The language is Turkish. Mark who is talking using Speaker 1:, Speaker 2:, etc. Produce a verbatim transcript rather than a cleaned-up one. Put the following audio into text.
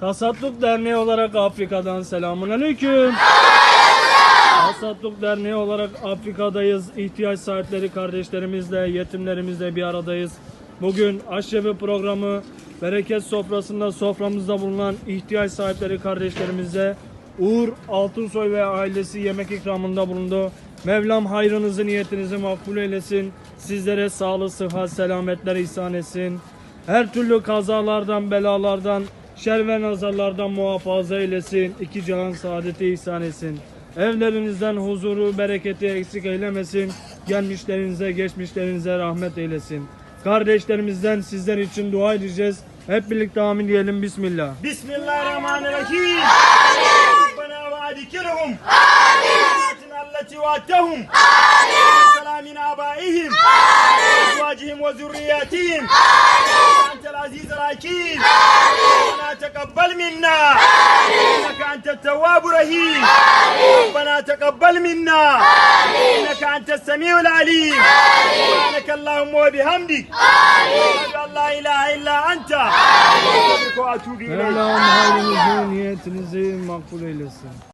Speaker 1: Tasadduk Derneği olarak Afrika'dan selamünaleyküm. Tasadduk Derneği olarak Afrika'dayız. İhtiyaç sahipleri kardeşlerimizle, yetimlerimizle bir aradayız. Bugün aşevi programı bereket sofrasında soframızda bulunan ihtiyaç sahipleri kardeşlerimize Uğur Altınsoy ve ailesi yemek ikramında bulundu. Mevlam hayrınızı, niyetinizi makbul eylesin. Sizlere sağlık, sıhhat, selametler ihsan etsin. Her türlü kazalardan, belalardan, şer ve nazarlardan muhafaza eylesin. İki cihan saadeti ihsan etsin. Evlerinizden huzuru, bereketi eksik eylemesin. Gelmişlerinize, geçmişlerinize rahmet eylesin. Kardeşlerimizden sizler için dua edeceğiz. Hep birlikte amin diyelim. Bismillah.
Speaker 2: Bismillahirrahmanirrahim. Amin. Rabbena ve adikirhum. Amin. Allati vaatahum. Amin. Selamin abaihim. Amin. Ezvacihim ve zürriyatihim. Amin. Entel azizul hakim. Amin. Rabbena teqabbal minna. Amin. İnneke entet tevvabur rahim. Amin. Rabbena teqabbal minna. Amin. İnneke entes semiul alim. Amin. Subhaneke Allahumma ve bihamdik. Amin. La ilahe illa enta. Amin.
Speaker 1: Mevlam hayrınızı, niyetinizi makbul eylesin.